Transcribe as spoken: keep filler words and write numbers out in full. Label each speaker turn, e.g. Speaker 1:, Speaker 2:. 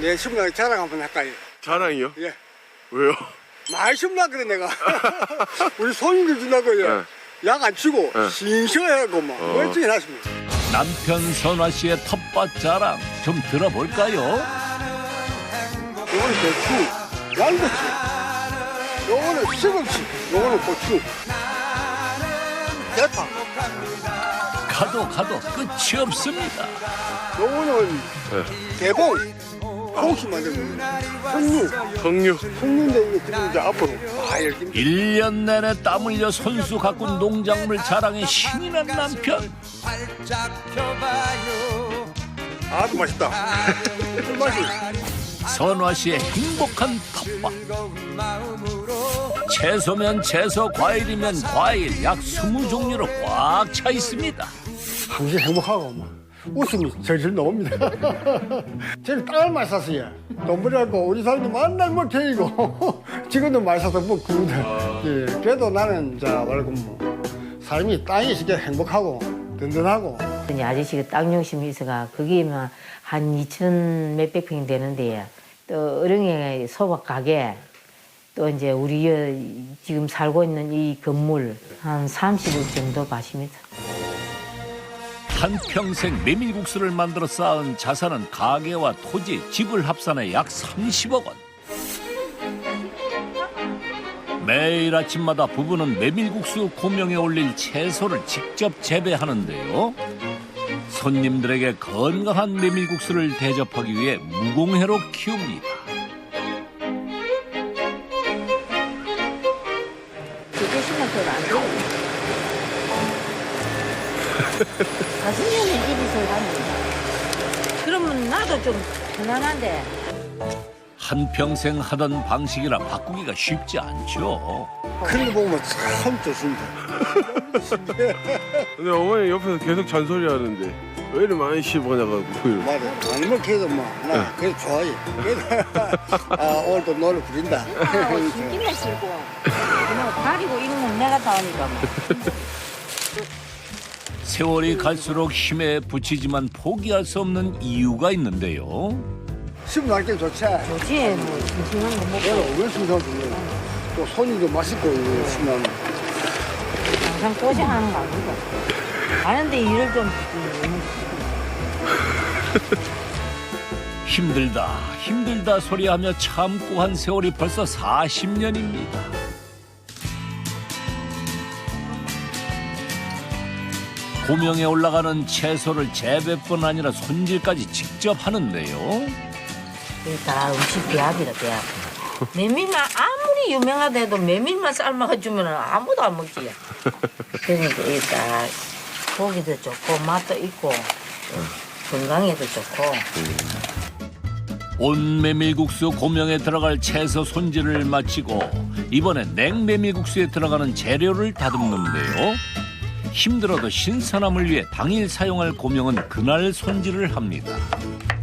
Speaker 1: 예, 심으라고 자랑 한번 할까요?
Speaker 2: 자랑이요?
Speaker 1: 예.
Speaker 2: 왜요?
Speaker 1: 많이 심으라 그래 내가. 우리 손님들 준다고 예.
Speaker 2: 네.
Speaker 1: 약 안 치고
Speaker 2: 네.
Speaker 1: 싱싱하고 막
Speaker 2: 어.
Speaker 1: 멀쩡히 하십니다.
Speaker 3: 남편 선화 씨의 텃밭 자랑 좀 들어볼까요?
Speaker 1: 요거는 배추, 양배추, 요거는 시금치, 요거는 고추, 대파,
Speaker 3: 가도 가도 끝이 없습니다.
Speaker 1: 요거는
Speaker 2: 네.
Speaker 1: 대봉, 홍시 만들고 석류,
Speaker 2: 석류.
Speaker 1: 석류인데 이게 지금 이제 앞으로 아 이렇게
Speaker 3: 일 년 내내 땀 흘려 손수 가꾼 농작물 자랑에 신이 난 남편.
Speaker 1: 아주 맛있다. 맛이.
Speaker 3: 선화 씨의 행복한 텃밭. 채소면 채소, 과일이면 과일, 약 스무 종류로 꽉 차 있습니다.
Speaker 1: 항상 행복하고 막 웃음이 절절 나옵니다. 저는 땅을 많이 샀어요. 돈 벌이갖고 우리 사람들 만날 뭐 데리고 지금도 많이 사서 뭐 그거든. 예, 그래도 나는 자 말고 뭐 삶이 땅이 진짜 행복하고 든든하고.
Speaker 4: 이제 아저씨가 땅 욕심이 있어가 거기에만 한 이천 몇백 평이 되는데 또 어령에 소박 가게 또 이제 우리 여 지금 살고 있는 이 건물 한 삼십억 정도 가십니다.
Speaker 3: 한평생 메밀국수를 만들어 쌓은 자산은 가게와 토지, 집을 합산해 약 삼십억 원. 매일 아침마다 부부는 메밀국수 고명에 올릴 채소를 직접 재배하는데요. 손님들에게 건강한 메밀국수를 대접하기 위해 무공해로 키웁니다.
Speaker 4: 그게 시간 더안 돼요. 다섯 년을 일이 살갑니다. 그러면 나도 좀 편안한데.
Speaker 3: 한평생 하던 방식이라 바꾸기가 쉽지 않죠.
Speaker 1: 그런 거 보면 참 좋습니다.
Speaker 2: 근데 어머니 옆에서 계속 잔소리 하는데 왜 이렇게 많이 씹어냐고.
Speaker 1: 맞아. 안 먹혀도 뭐, 나 그래 좋아해. 그래도 아, 오늘도 노래 부린다.
Speaker 4: 아, 신기만 싫고. 뭐 가리고 이런 건 내가 다 하니까 뭐.
Speaker 3: 세월이 갈수록 힘에 부치지만 포기할 수 없는 이유가 있는데요.
Speaker 1: 씹어 날게 좋지.
Speaker 4: 좋지, 뭐, 싱싱한 거
Speaker 1: 내가
Speaker 4: 먹고.
Speaker 1: 왜 심사를 주냐. 또 손님도 맛있고, 심하면.
Speaker 4: 항상 고생하는 거 아니고. 하는데 일을 좀. 음,
Speaker 3: 힘들다 힘들다 소리하며 참고 한 세월이 벌써 사십 년입니다. 고명에 올라가는 채소를 재배뿐 아니라 손질까지 직접 하는데요.
Speaker 4: 이게 다 음식 배합이다, 배합. 메밀만 아무리 유명하다해도 메밀만 삶아가 주면 아무도 안 먹지. 그러니까 이게 딱 고기도 좋고 맛도 있고 건강에도 좋고.
Speaker 3: 온 메밀국수 고명에 들어갈 채소 손질을 마치고 이번엔 냉메밀국수에 들어가는 재료를 다듬는데요. 힘들어도 신선함을 위해 당일 사용할 고명은 그날 손질을 합니다.